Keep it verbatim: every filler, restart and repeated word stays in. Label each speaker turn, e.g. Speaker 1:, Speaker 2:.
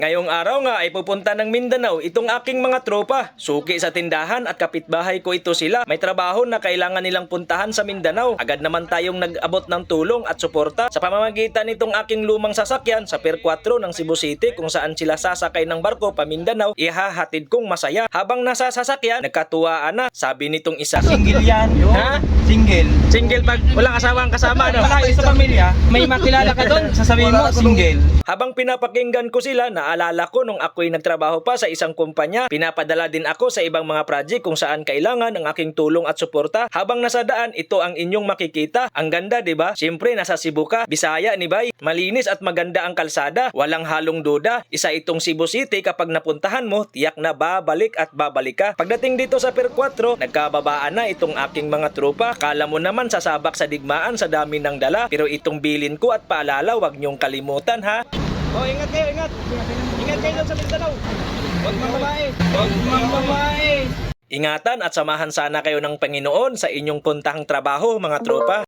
Speaker 1: Ngayong araw nga ay pupunta ng Mindanao itong aking mga tropa. Suki sa tindahan at kapitbahay ko ito sila. May trabaho na kailangan nilang puntahan sa Mindanao. Agad naman tayong nag-abot ng tulong at suporta sa pamamagitan nitong aking lumang sasakyan sa Pier four ng Cebu City kung saan sila sasakay ng barko pa Mindanao. Ihahatid kong masaya. Habang nasa sasakyan, nagkatuwaan na. Sabi nitong isa,
Speaker 2: Single yan. Ha? Single.
Speaker 1: single pag walang asawang kasama, no?
Speaker 2: Malayo sa pamilya, may makilala ka doon, sasabihin mo, single.
Speaker 1: Habang pinapakinggan ko sila, naalala ko nung ako'y nagtrabaho pa sa isang kumpanya. Pinapadala din ako sa ibang mga project kung saan kailangan ng aking tulong at suporta. Habang nasa daan, ito ang inyong makikita. Ang ganda, di ba? Siyempre, nasa Cebu ka, Bisaya ni Bay. Malinis at maganda ang kalsada. Walang halong duda. Isa itong Cebu City kapag napuntahan mo, tiyak na babalik at babalik ka. Pagdating dito sa Pier four, nagkababaan na itong aking mga tropa. Kala mo naman sasabak sa digmaan sa dami ng dala. Pero itong bilin ko at paalala, wag niyong kalimutan ha. Oh, ingat kayo, ingat. Ingat kayo doon sa Mindanao. Huwag mang babae. Huwag mang babae. Ingatan at samahan sana kayo ng Panginoon sa inyong puntahang trabaho, mga tropa.